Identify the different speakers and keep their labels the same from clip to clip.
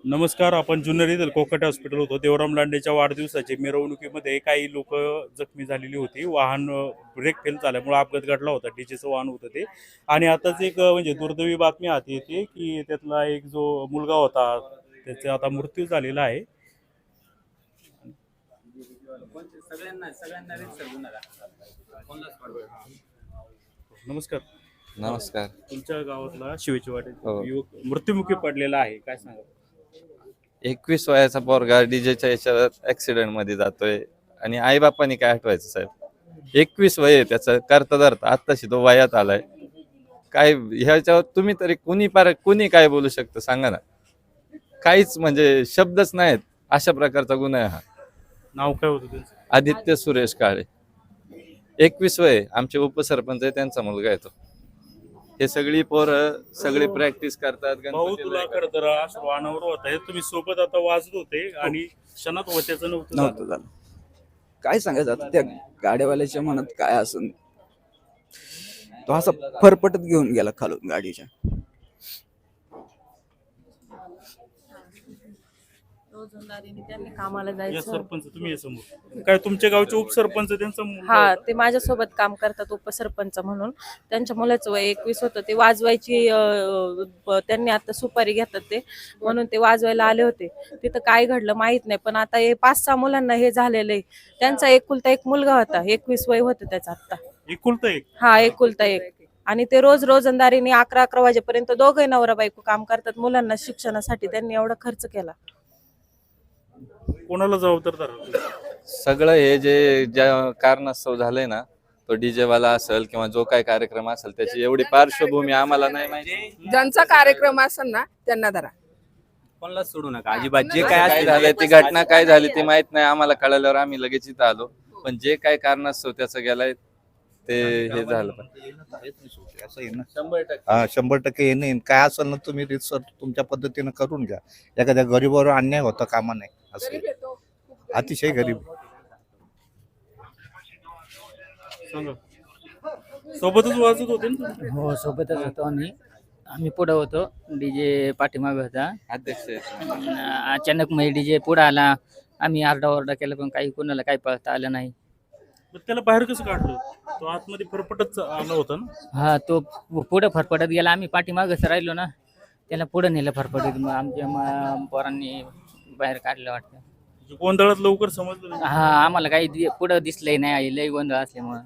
Speaker 1: नमस्कार. आपण जुन्नर येथील कोकट हॉस्पिटल होतो. देवराम लांडेच्या वाढदिवसाच्या मिरवणुकीमध्ये काही लोक जखमी झालेली होती. वाहन ब्रेक फेल झाल्यामुळे अपघात घडला होता. डीजेचं वाहन होतं ते. आणि आताच एक म्हणजे दुर्दैवी बातमी हाती येते की त्यातला एक जो मुलगा होता त्याचा आता मृत्यू झालेला आहे. नमस्कार.
Speaker 2: नमस्कार.
Speaker 1: तुमच्या गावातला शिवेची वाटे
Speaker 2: हो.
Speaker 1: युवक मृत्युमुखी पडलेला आहे, काय सांगा?
Speaker 2: 21 वयाचा पोरगा डीजेच्या याच्यात ऍक्सिडेंट मध्ये जातोय आणि आई बापांनी काय आठवायचं साहेब. 21 वय आहे त्याचं, करता धरता आत्ताशी तो वयात आलाय. काय ह्याच्यावर तुम्ही तरी कुणी काय बोलू शकतं सांगा ना. काहीच म्हणजे शब्दच नाहीत. अशा प्रकारचा गुन्हा आहे हा.
Speaker 1: नाव काय होतं त्यांचं?
Speaker 2: आदित्य सुरेश काळे. 21 वय, आमचे उपसरपंच आहे, त्यांचा मुलगा आहे तो. हे सगळी पोरं सगळी प्रॅक्टिस करतात.
Speaker 1: भाऊ,
Speaker 2: गणपतीला
Speaker 1: तुला खरं तर वाहनावर होता तुम्ही सोबत आता वाजत होते आणि क्षणात होत्याचं नव्हतं झालं.
Speaker 3: नव्हतं झालं. काय सांगायचं आता त्या गाड्यावाल्याच्या मनात काय असून तो असा फरफटत घेऊन गेला खालून गाडीच्या.
Speaker 4: रोजंदारीने त्यांनी कामाला
Speaker 1: या
Speaker 4: जायचं.
Speaker 1: सरपंच तुम्ही या समोर काय तुमच्या गावचे उपसरपंच त्यांचा मुलगा
Speaker 4: हा,
Speaker 1: होता?
Speaker 4: ते माझ्यासोबत काम करतात उपसरपंच म्हणून. त्यांच्या मुलाचं वय 21 होतं. ते वाजवायची त्यांनी आता सुपारी घेतात ते, म्हणून ते वाजवायला आले होते. तिथं काय घडलं माहित नाही, पण आता हे 5-6 मुलांना हे झालेलं आहे. त्यांचा एकुलता एक मुलगा होता, 21 वय होतं त्याचं आता.
Speaker 1: एकुलता एक.
Speaker 4: हा, एकुलता एक. आणि ते रोजंदारीने 11-11 वाजेपर्यंत दोघे नवरा बायको काम करतात. मुलांना शिक्षणासाठी त्यांनी एवढा खर्च केला.
Speaker 1: कोणाला जबाबदार धरलं?
Speaker 2: सगळं हे ज्या कारणास्तव झालंय ना, तो डीजे वाला असेल किंवा जो काय कार्यक्रम असेल त्याची एवढी पार्श्वभूमी आम्हाला नाही माहिती.
Speaker 5: ज्यांचा कार्यक्रम असेल ना त्यांना धरा,
Speaker 6: कोणाला सोडू नका अजिबात. जे
Speaker 2: काय
Speaker 6: काय
Speaker 2: काय
Speaker 6: असेल
Speaker 2: झालंय, ती घटना काय झाली ते माहित नाही आम्हाला. कळल्यावर आम्ही लगेच इथं आलो, पण जे काय कारणास्तव त्याचं गेलाय ते हे झालं.
Speaker 7: असं आहे ना. 100% हे नाही. काय असेल ना तुम्ही रिसर्च तुमच्या पद्धतीनं करून घ्या. एखाद्या गरीबावर अन्याय होता कामा नाही. असं आहे. अतिशय गरीब.
Speaker 1: सांगा. सोबतच वाजत होते ना तुम्ही?
Speaker 8: हो, सोबतच होतो आम्ही पुढं होतो. डीजे पाठीमागे होता.
Speaker 2: अध्यक्ष आहेत.
Speaker 8: अचानक मग डीजे पुढं आला. आम्ही आरडाओरडा केला, पण काही कोणाला काही पळता आलं नाही.
Speaker 1: मग त्याला बाहेर कसं काढलं? तो आतमध्ये फरफटच आला होता ना.
Speaker 8: हा, तो पुढं फरफटत गेला. आम्ही पाठीमागच राहिलो ना, त्याला पुढं नेलं फरफटत. मग आमच्या पोरांनी बाहेर काढलं वाटतं.
Speaker 1: म्हणजे गोंधळात लवकर समजलं नाही.
Speaker 8: हा, आम्हाला काही पुढं दिसलंय नाही, लय गोंधळ असल्यामुळं.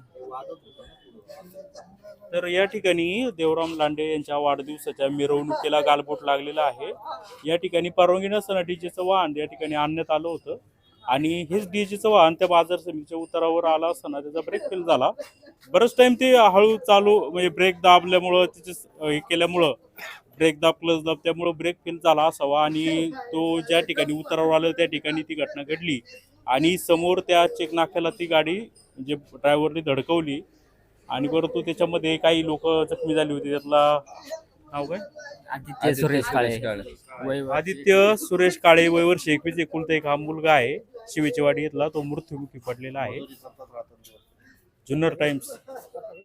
Speaker 1: तर या ठिकाणी देवराम लांडे यांच्या वाढदिवसाच्या मिरवणुकीला गालबोट लागलेला आहे. या ठिकाणी परवानगी नसताना डीजेचं वाहन या ठिकाणी आणण्यात आलं होतं आणि हेच डीजेचं वाहन त्या बाजार समितीच्या उतारावर आला असताना त्याचा ब्रेक फेल झाला. बरंच टाइम ते हळू चालू म्हणजे ब्रेक दाबल्यामुळं तिचे हे केल्यामुळं ब्रेक दाब क्लच दाब त्यामुळं ब्रेक फेल झाला असावा आणि तो ज्या ठिकाणी उतारावर आला त्या ठिकाणी ती घटना घडली आणि समोर त्या चेक नाक्याला ती गाडी म्हणजे ड्रायव्हरने धडकवली आणि परंतु त्याच्यामध्ये काही लोक जखमी झाली होती. त्यातला नाव काय?
Speaker 8: आदित्य सुरेश काळे.
Speaker 1: आदित्य सुरेश काळे, वय वर्ष 21, एकुलता एक हा मुलगा आहे. शिवेचीवाडी इथला तो मृत्युमुखी पडलेला आहे. जुन्नर टाइम्स.